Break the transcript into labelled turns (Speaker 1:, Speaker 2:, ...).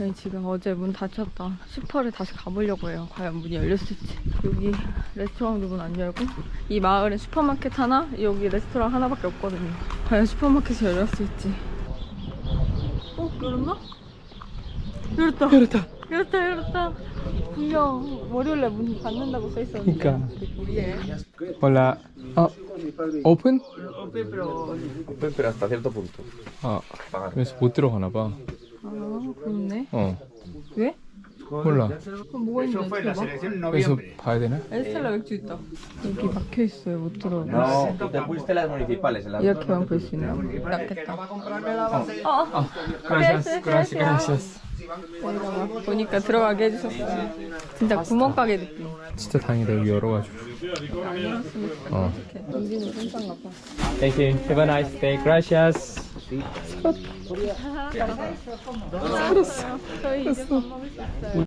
Speaker 1: 저희 지금 어제 문 닫혔다 슈퍼를 다시 가보려고 해요. 과연 문이 열렸을지. 여기 레스토랑도 문 안 열고, 이 마을에 슈퍼마켓 하나, 여기 레스토랑 하나밖에 없거든요. 과연 슈퍼마켓이 열렸을지. 열었나? 열었다.
Speaker 2: 열었다.
Speaker 1: 열었다. 분명 월요일에 문 닫는다고 써있었는데.
Speaker 2: 그러니까. Hola. Open?
Speaker 3: Open, pero hasta cierto punto.
Speaker 2: 그래서 못 들어가나 봐.
Speaker 1: 아, 그렇네. 왜?
Speaker 2: 몰라.
Speaker 1: 그럼 뭐가 있는데 어떻게 봐?
Speaker 2: 그래서 봐야 되나?
Speaker 1: 에스텔라 맥주 있다. 여기 막혀있어요. 못 들어가.
Speaker 3: No, tú te fuiste a las municipales. En las...
Speaker 1: 이렇게만 볼 수 있나? 낫겠다.
Speaker 2: Gracias.
Speaker 1: 저희가 막 보니까 들어가게 해주셨어요. 진짜 구멍가게 느낌.
Speaker 2: 진짜 다행이다. 여기 열어가지고.
Speaker 1: 안 열었으면 좋겠다. 여기는 괜찮나 봐.
Speaker 2: Thank you. Have a nice day. Gracias.
Speaker 1: 저희 이제 밥 먹을 수 있어요.